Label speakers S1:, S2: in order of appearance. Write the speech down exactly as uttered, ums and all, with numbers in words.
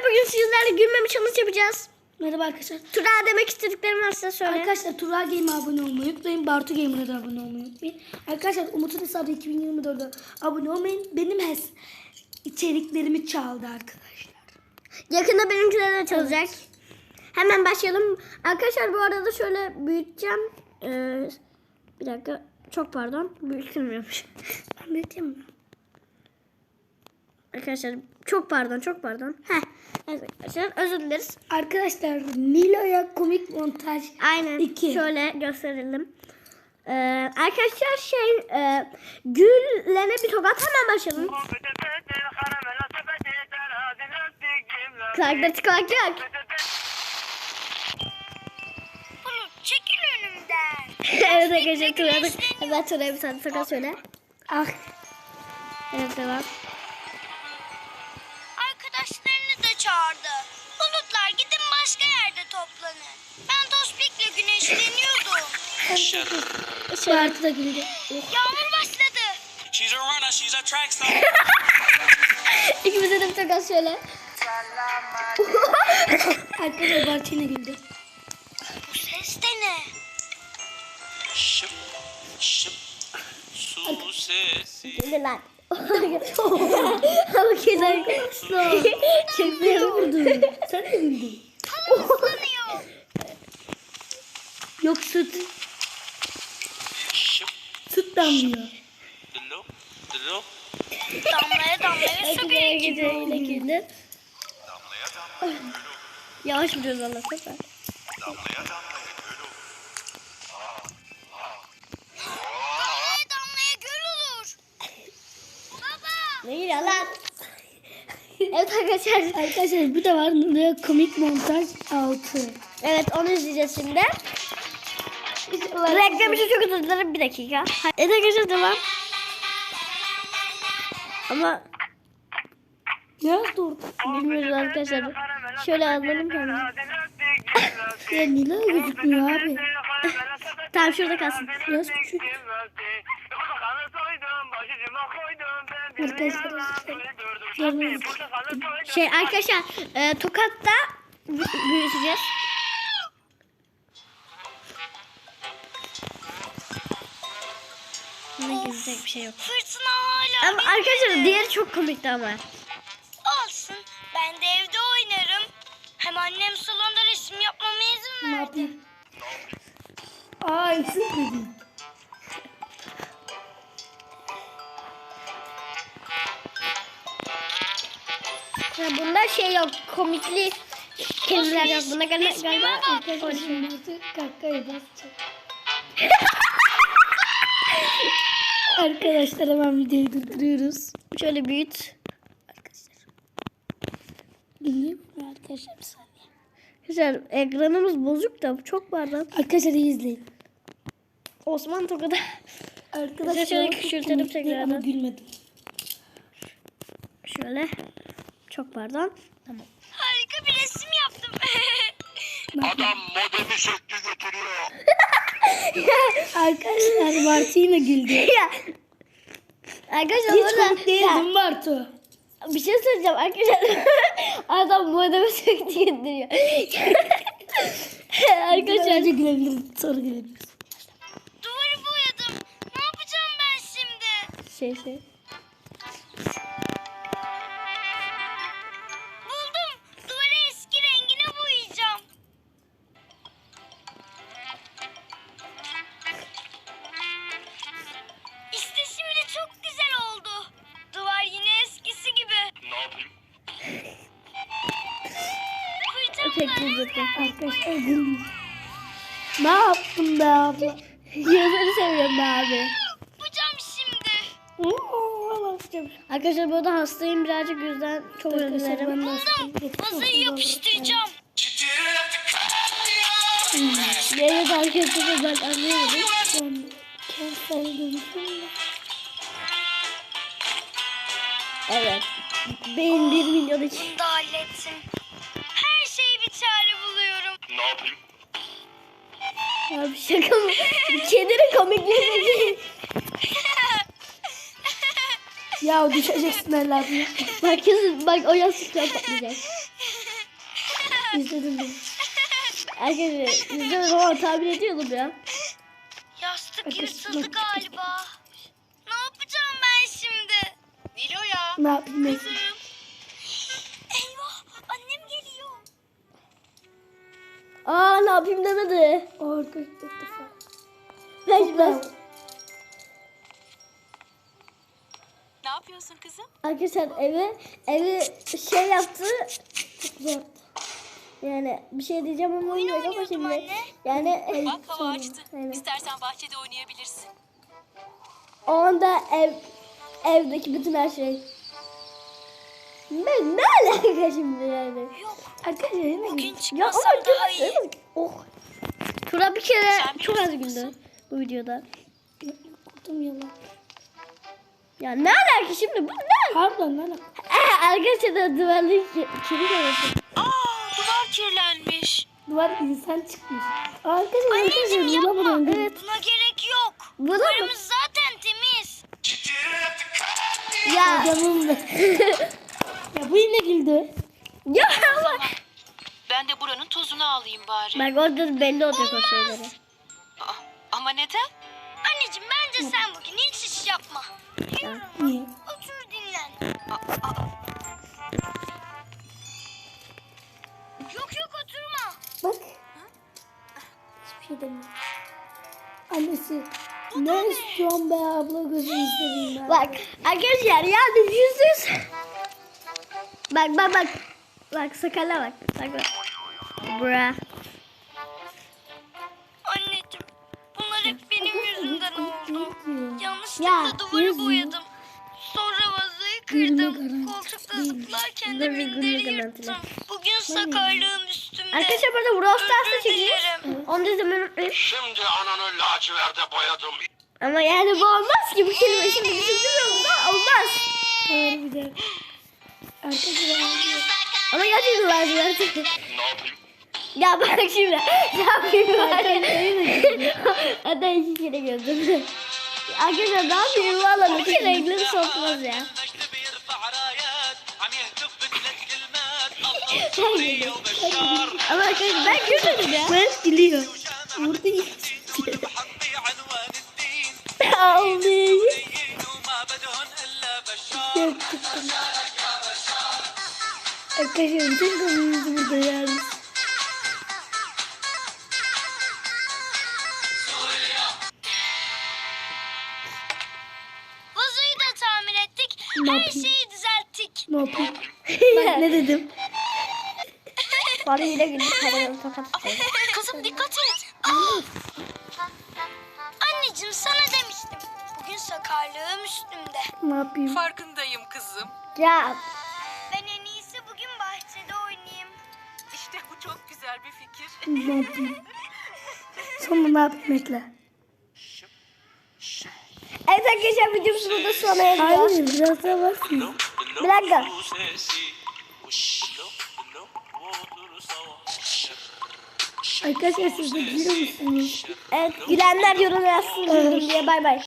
S1: bugün sizlerle gülmeme challenge yapacağız.
S2: Merhaba arkadaşlar.
S1: Tura demek istediklerimi varsa söyle.
S2: Arkadaşlar Tura Game'e abone olmayı unutmayın. Bartu Game'e de abone olmayı unutmayın. Arkadaşlar Umut'un hesabı iki bin yirmi dörtte abone olmayın. Benim hes içeriklerimi çaldı arkadaşlar.
S1: Yakında benimkiler de çalacak. Evet. Hemen başlayalım. Arkadaşlar bu arada şöyle büyüteceğim. Ee, bir dakika. Çok pardon. Büyütülmüyormuş.
S2: Ben büyüteyim mi?
S1: Arkadaşlar çok pardon çok pardon. Heh. Evet arkadaşlar özür dileriz.
S2: Arkadaşlar Nilo'ya komik montaj
S1: Aynen.
S2: iki.
S1: Şöyle gösterelim. Ee, arkadaşlar şey e, Gül'lene bir tokat hemen başlayalım. Kulakları tıklayacak.
S3: Çekil önümden.
S1: Evet arkadaşlar Tura'ya hemen Tura'ya bir tane tokat söyle.
S2: Ah.
S1: Evet devam.
S3: Arkadaşlarını da çağırdı. Bulutlar gidin başka yerde toplanın. Ben Tospik'le güneşleniyordum.
S2: Bartu da güldü.
S3: Yağmur başladı.
S4: She's a runner, she's a track star.
S1: İkimize de bir tokat söyle.
S2: Arkadaşlar Bartu yine güldü.
S3: Bu ses de ne?
S4: Şıp, şıp, su sesi.
S1: Gülü lan. Ama kenar çok
S2: Ne vurdun? Sen de güldün.
S3: Islanıyor.
S2: Yok süt.
S4: Şıp,
S2: Süt damlıyor.
S4: dilo, dilo.
S3: Damlaya damlaya su
S1: Gülüye
S3: birikiyor.
S1: gidiyor yine güldü.
S4: Damlaya damlaya gülüm,
S1: Yavaş vuruyoruz valla sefer.
S4: damlaya damlaya gülüm.
S3: Damlaya damlaya göl olur. Baba.
S1: Ne gülüyor lan? Evet arkadaşlar.
S2: Arkadaşlar bu da var. Nilo'ya komik montaj altı.
S1: Evet onu izleyeceğiz şimdi. Reklam için çok özür dilerim bir dakika. Evet arkadaşlar devam. Ama
S2: Ya dur.
S1: bilmiyoruz arkadaşlar. Şöyle alalım kendimizi.
S2: Ya Nilo gözükmüyor abi.
S1: Tamam şurada kalsın.
S2: Biraz küçük. Arkadaşlar.
S1: Şey arkadaşlar e, Tokat'ta bü- büyüteceğiz. Ne gülecek bir şey yok.
S3: Fırtına hala
S1: Ama arkadaşlar diğeri çok komikti ama.
S3: olsun. Ben de evde oynarım. Hem annem salonda resim yapmama izin
S2: Ne
S3: verdi.
S2: yapayım? Aa eksik dedim.
S1: Ya bunda şey yok komikli kelimeler yok. Bunda galiba, galiba
S2: Arkadaşlar Bartu kakaya basacak. Arkadaşlar hemen videoyu durduruyoruz.
S1: şöyle büyüt.
S2: Dinleyeyim mi arkadaşlar bir saniye.
S1: Güzel ekranımız bozuk da çok pardon.
S2: Arkadaşlar iyi izleyin.
S1: Osman Tokat'a.
S2: Arkadaşlar
S1: Şöyle
S2: ama çok
S1: küçültelim
S2: komikti
S1: tekrardan.
S2: ama gülmedim.
S1: Şöyle. Çok pardon. Tamam.
S3: Harika bir resim yaptım.
S4: Adam modemi söktü götürüyor.
S2: Arkadaşlar Bartu yine güldü.
S1: Ya. Arkadaşlar
S2: Hiç
S1: burada-
S2: komik değil
S1: Ya,
S2: değil mi Bartu?
S1: bir şey söyleyeceğim arkadaşlar. Adam bu adamı söktü gönderiyor.
S2: Arkadaşlar
S1: Arkadaşlar.
S2: önce gülebiliriz sonra gülebiliriz.
S3: Duvarı boyadım. Ne yapacağım ben şimdi?
S1: Şey şey.
S3: Buldum. Duvarı eski rengine boyayacağım. İşte şimdi çok güzel oldu. Duvar yine eskisi gibi.
S4: Ne yapayım?
S1: Pek
S3: Fırçamla
S1: güzel.
S2: Arkadaşlar güldüm. Ne yaptın be abla?
S1: Yazarı seviyorum be abi.
S3: yapacağım şimdi.
S2: Oo, basacağım.
S1: Arkadaşlar bu arada hastayım birazcık yüzden çok özür
S2: Arkadaşlar
S1: dilerim.
S2: ben de hastayım.
S3: Vazoyu yapıştıracağım.
S1: Evet arkadaşlar ben anlayamadım.
S2: Ben kentsel dönüşüm.
S1: Evet. Benim bir milyon için.
S3: Bunu da hallettim. Her şeye bir çare buluyorum.
S4: Ne yapayım?
S1: Abi şaka mı? Kedinin komikliği.
S2: Ya düşeceksin herhalde.
S1: Bak kesin bak o yastıklar patlayacak.
S2: İzledim ben.
S1: Arkadaşlar izlemedim ama tahmin ediyordum ya.
S3: Yastık yırtıldı galiba. Ne yapacağım ben şimdi? Nilo'ya.
S2: Ne yapayım ben?
S3: Eyvah annem geliyor.
S1: Aa ne yapayım demedi.
S2: Orada ilk defa.
S1: Ben ben.
S5: Ne yapıyorsun kızım?
S1: Arkadaşlar evi evi şey yaptı. Çok zor. Yani bir şey diyeceğim ama olmuyor ama
S3: oynuyordum
S1: şimdi.
S3: anne.
S1: Yani ev,
S5: Bak hava açtı.
S1: Aynen.
S5: İstersen bahçede oynayabilirsin.
S1: O anda ev evdeki bütün her şey. Ben ne alaka şimdi yani?
S3: Yok
S2: Arkadaşlar yine
S3: bugün
S2: gidiyor.
S1: Ya ama
S3: çıkmasam daha iyi.
S1: değil. Oh. Tura bir kere
S5: Sen
S1: çok az
S5: bilirsin
S1: güldü bu videoda.
S2: Korktum yalan.
S1: Ya ne alaka şimdi bu ne?
S2: Pardon lan.
S1: Ee, arkadaşlar da duvarlık kilit arası.
S5: Aa, duvar kirlenmiş.
S2: Duvar insan çıkmış. Arkadaşlar
S3: Anneciğim
S2: arkadaşlar buna
S3: yapma.
S2: buna.
S1: Evet.
S3: Buna gerek yok.
S1: Bu da mı?
S3: Duvarımız zaten temiz.
S1: Ya.
S2: Canım be. Ya bu yine güldü.
S1: Ya ama.
S5: Ben de buranın tozunu alayım bari.
S1: Bak orada belli olacak o şeyleri.
S5: Aa, ama neden?
S3: Anneciğim bence sen bugün hiç iş yapma. Yürü.
S2: Niye?
S3: Otur dinlen.
S5: Aa, aa,
S3: Yok yok oturma.
S2: Bak. Hiçbir şey demiyor. Annesi. Ne istiyorsun be abla gözünü seveyim ben.
S1: Bak arkadaşlar yani yüzsüz. Bak bak bak. Bak sakala bak. Bak bak. Bra.
S3: Anneciğim bunlar hep benim yüzümden oldu. Yanlışlıkla
S2: Ya,
S3: duvarı
S2: yüzüm.
S3: boyadım. Sonra vazoyu
S2: Gülme
S3: kırdım.
S2: garanti
S3: Koltukta
S2: değil.
S3: zıplarken
S1: Dur
S3: de
S1: bir gülme
S3: minderi
S1: garantili.
S3: yırttım. Bugün sakarlığım üstümde.
S1: Arkadaşlar burada Brawl Stars'ta
S3: Özür
S1: çekiyor.
S3: dilerim.
S1: Onu da izlemeyi unutmayın.
S4: Şimdi ananı laciverde boyadım.
S1: Ama yani bu olmaz ki. Bu kelime şimdi düşündürüyorum da olmaz.
S2: Harbiden. Arkadaşlar.
S1: Ama gerçekten lazım artık.
S4: Ne yapayım?
S1: Ya bak şimdi. Ne yapayım var ya. Hatta iki kere gördüm. Arkadaşlar ne yapayım valla bir kere renkleri sokmaz ya. Sen güldün. Ama arkadaşlar ben gülmedim ya.
S2: Ben gülüyor. Burada iyi.
S1: Ağlayayım.
S2: Arkadaşlar bütün konumuz burada yani.
S3: Vazoyu da tamir ettik.
S2: Ne
S3: Her
S2: yapayım?
S3: şeyi düzelttik.
S2: Ne yapayım? Ben ne dedim?
S1: Bana yine güldü. Kameranı tokat.
S5: kızım dikkat et.
S3: Anneciğim sana demiştim. Bugün sakarlığım üstümde.
S2: Ne yapayım?
S5: Farkındayım kızım.
S1: Ya.
S3: Ben en iyisi bugün bahçede oynayayım.
S5: İşte bu çok güzel bir fikir.
S2: Ne yapayım? Sonra ne yapayım Ekle?
S1: Evet arkadaşlar videomuz burada sona eriyor.
S2: Hayır biraz daha var.
S1: Bir dakika.
S2: Arkadaşlar siz de biliyor musunuz?
S1: Evet gülenler yorum yazsın güldüm diye bay bay.